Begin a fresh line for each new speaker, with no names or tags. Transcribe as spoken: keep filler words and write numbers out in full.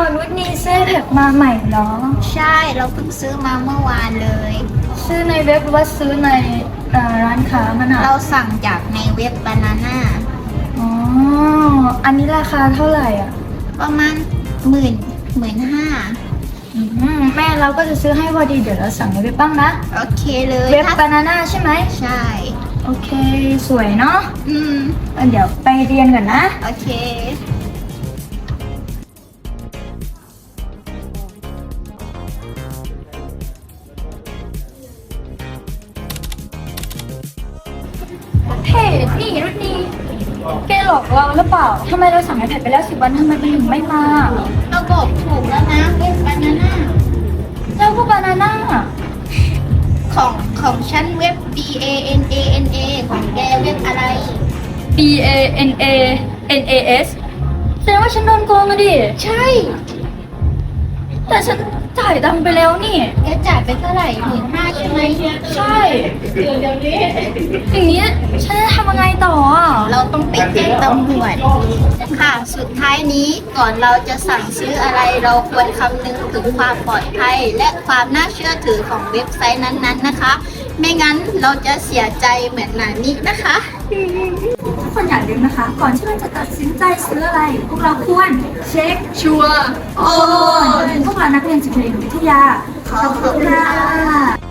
นุชนี่ซื้อแท็กมาใหม่เหรอ
ใช่เราเพิ่งซื้อมาเมื่อวานเลย
ซื้อในเว็บหรือว่าซื้อในเอ่อร้านค้ามันอ่ะ
เราสั่งจากในเว็บบานาน่า
อ๋ออันนี้ราคาเท่าไหร่อ่ะ
ประมาณหมื่นหมื่นห้า
อืมแม่เราก็จะซื้อให้พอดีเดี๋ยวเราสั่งในเว็บบ้างนะ
โอเคเลย
เว็บบานาน่าใช่ไหม
ใช่
โอเคสวยเนาะ
อืม
เดี๋ยวไปเรียนก่อนนะ
โอเค
เฮ้นี่รุ่นนี้แกหลอกเราหรือเปล่าทำไมเราสั่งไอแพดไปแล้วสิบวันทำไมมันถึงไม่มา
เราบอกถูกแล้วนะเว็บบานาน่า
แล้วก็บานาน่า
ของของฉันเว็บ B A N A N A ของแกเว็บอะไร
B A N A N A S แสดงว่าฉันโดนโกงอะดิ
ใช่
แต่ฉันจ่ายตังค์ไปแล้วนี่
แกจ่ายไปเท่าไหร่หมื่นห้าใช่ไหม
ใช่เดี๋ยวเดี๋ยวนี้อย่างนี้ฉันจะทำยังไงต่ออ่ะ
เราต้องไปแจ้งตำรวจค่ะสุดท้ายนี้ก่อนเราจะสั่งซื้ออะไรเราควรคำนึงถึงความปลอดภัยและความน่าเชื่อถือของเว็บไซต์นั้นๆนะคะไม่งั้นเราจะเสียใจเหมือนนานี้นะคะ
ทุกคนอย่าลืมนะคะก่อนที่เราจะตัดสินใจซื้ออะไรพวกเราควรเช็คชัวร์โอนพวกเรานักเรียนจิตวิทยาขอบคุณค่ะ